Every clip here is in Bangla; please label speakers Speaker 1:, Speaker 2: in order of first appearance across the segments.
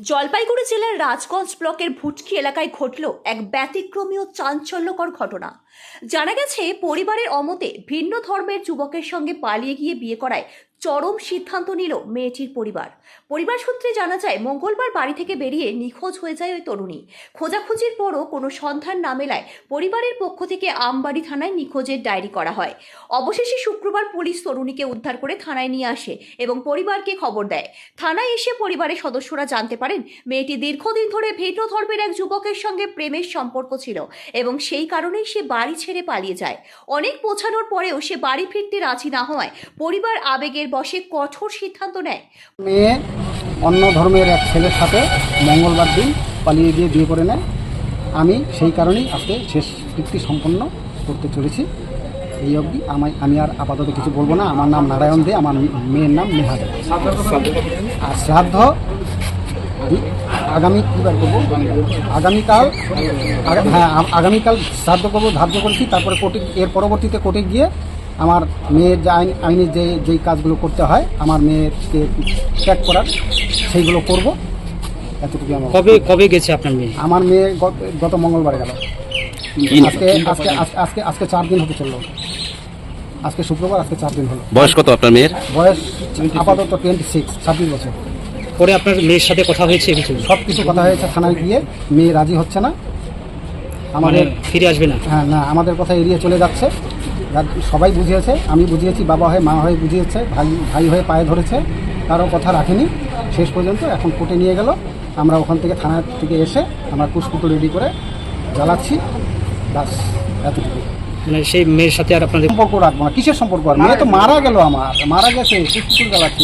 Speaker 1: জলপাইগুড়ি জেলার রাজগঞ্জ ব্লকের ভুটকি এলাকায় ঘটল এক ব্যতিক্রমী ও চাঞ্চল্যকর ঘটনা। জানা গেছে, পরিবারের অমতে ভিন্ন ধর্মের যুবকের সঙ্গে পালিয়ে গিয়ে বিয়ে করায় চরম সিদ্ধান্ত নিল মেয়েটির পরিবার সূত্রে জানা যায়, মঙ্গলবার বাড়ি থেকে বেরিয়ে নিখোঁজ হয়ে যায় ওই তরুণী। খোঁজাখুঁজির পরও কোনো সন্ধান না মেলায় পরিবারের পক্ষ থেকে আমবাড়ি থানায় নিখোঁজের ডায়েরি করা হয়। অবশেষে শুক্রবার পুলিশ তরুণীকে উদ্ধার করে থানায় নিয়ে আসে এবং পরিবারকে খবর দেয়। থানায় এসে পরিবারের সদস্যরা জানতে পারেন, মেয়েটি দীর্ঘদিন ধরে ভিন্ন ধর্মের এক যুবকের সঙ্গে প্রেমের সম্পর্ক ছিল এবং সেই কারণেই সে বাড়ি ছেড়ে পালিয়ে যায়। অনেক পৌঁছানোর পরেও সে বাড়ি ফিরতে রাজি না হওয়ায় পরিবার আবেগের বশে কঠোর সিদ্ধান্ত নেয়।
Speaker 2: মেয়ে অন্য ধর্মের এক ছেলের সাথে মঙ্গলবার দিন পালিয়ে গিয়ে বিয়ে করে নেয়। আমি সেই কারণেই আজকে শেষ কৃত্য সম্পন্ন করতে চলেছি। এই অবধি আমি আর আপাতত কিছু বলবো না। আমার নাম নারায়ণ দে, আমার মেয়ের নাম নেহা দে। আর শ্রাদ্ধ আগামী কীবার করবো, আগামীকাল শ্রাদ্ধ করবো ধার্য করেছি। তারপরে এর পরবর্তীতে কোর্টে গিয়ে আমার মেয়ের যে আইনে যেই কাজগুলো করতে হয় আমার মেয়েকে ত্যাগ করার, সেইগুলো করব। এতটুকু আমার।
Speaker 3: কবে গেছে আপনার মেয়ে?
Speaker 2: আমার মেয়ে গত মঙ্গলবারে গেল। আজকে 4 দিন হতে চললো। আজকে শুক্রবার, আজকে 4 দিন হলো।
Speaker 4: বয়স কত আপনার মেয়ের?
Speaker 2: বয়স আপাতত 26 বছর।
Speaker 3: পরে আপনার মেয়ের সাথে কথা হয়েছে?
Speaker 2: সব কিছু কথা হয়েছে থানায় গিয়ে। মেয়ে রাজি হচ্ছে না, আমাদের
Speaker 3: ফিরে আসবে না।
Speaker 2: হ্যাঁ, না, আমাদের কথা এড়িয়ে চলে যাচ্ছে। সবাই বুঝিয়েছে, আমি বুঝিয়েছি, বাবা হয়ে মা হয়ে বুঝিয়েছে, ভাই হয়ে পায়ে ধরেছে, কারো কথা রাখেনি শেষ পর্যন্ত। এখন কোর্টে নিয়ে গেল। আমরা ওখান থেকে থানা থেকে এসে আমরা কুশপুতো রেডি করে জ্বালাচ্ছি। বাস এতটুকু।
Speaker 3: মানে সেই মেয়ের সাথে আর আপনাদের
Speaker 2: সম্পর্ক রাখবো না। কিসের সম্পর্ক? আর মেয়ে তো মারা গেল, মারা গেছে, কুশপুতো জ্বালাচ্ছি।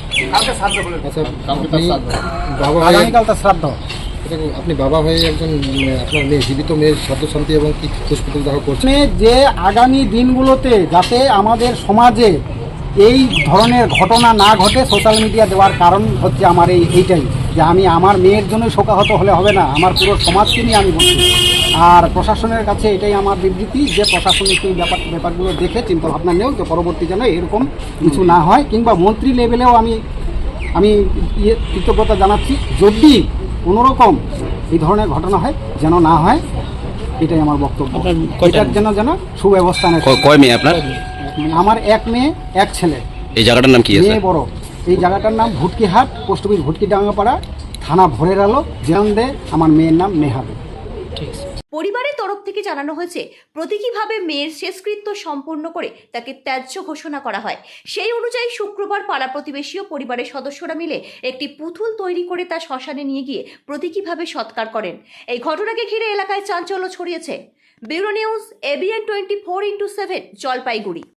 Speaker 2: আগামীকাল তার শ্রাদ্ধ।
Speaker 5: আপনি বাবা হয়ে একজন আপনার মেয়ে, জীবিত মেয়ের শ্রাদ্ধ শান্তি এবং কি কুশপুতল দাহ করছেন
Speaker 2: যে আগামী দিনগুলোতে যাতে আমাদের সমাজে এই ধরনের ঘটনা না ঘটে, সোশ্যাল মিডিয়া দেওয়ার কারণ হচ্ছে আমার এইটাই, যে আমি আমার মেয়ের জন্য শোকাহত হলে হবে না, আমার পুরো সমাজকে নিয়ে আমি বলছি। আর প্রশাসনের কাছে এটাই আমার বিবৃতি, যে প্রশাসনিক এই ব্যাপারগুলো দেখে চিন্তা ভাবনা নেও, যে পরবর্তী যেন এরকম কিছু না হয়। কিংবা মন্ত্রী লেভেলেও আমি কৃতজ্ঞতা জানাচ্ছি, যদি কোনোরকম এই ধরনের ঘটনা হয় যেন না হয়, এটাই আমার বক্তব্য। এটার যেন সুব্যবস্থা নেয়।
Speaker 4: কয় মেয়ে আপনার?
Speaker 2: আমার এক মেয়ে এক ছেলে।
Speaker 4: এই জায়গাটার নাম কি আছে?
Speaker 2: মেয়ে বড়। এই জায়গাটার নাম ভুটকিহাট, পোস্ট অফিস ভুটকিডাঙ্গাপাড়া, থানা ভোরের আলো, জেরান্দে। আমার মেয়ের নাম নেহা দে।
Speaker 1: পরিবারের তরফ থেকে জানানো হয়েছে, প্রতীকীভাবে মেয়ের শেষকৃত্য সম্পন্ন করে তাকে ত্যায্য ঘোষণা করা হয়। সেই অনুযায়ী শুক্রবার পাড়া প্রতিবেশী ও পরিবারের সদস্যরা মিলে একটি পুতুল তৈরি করে তা শ্মশানে নিয়ে গিয়ে প্রতীকীভাবে সৎকার করেন। এই ঘটনাকে ঘিরে এলাকায় চাঞ্চল্য ছড়িয়েছে। Bureau news, ABN 24x7, Jalpaiguri.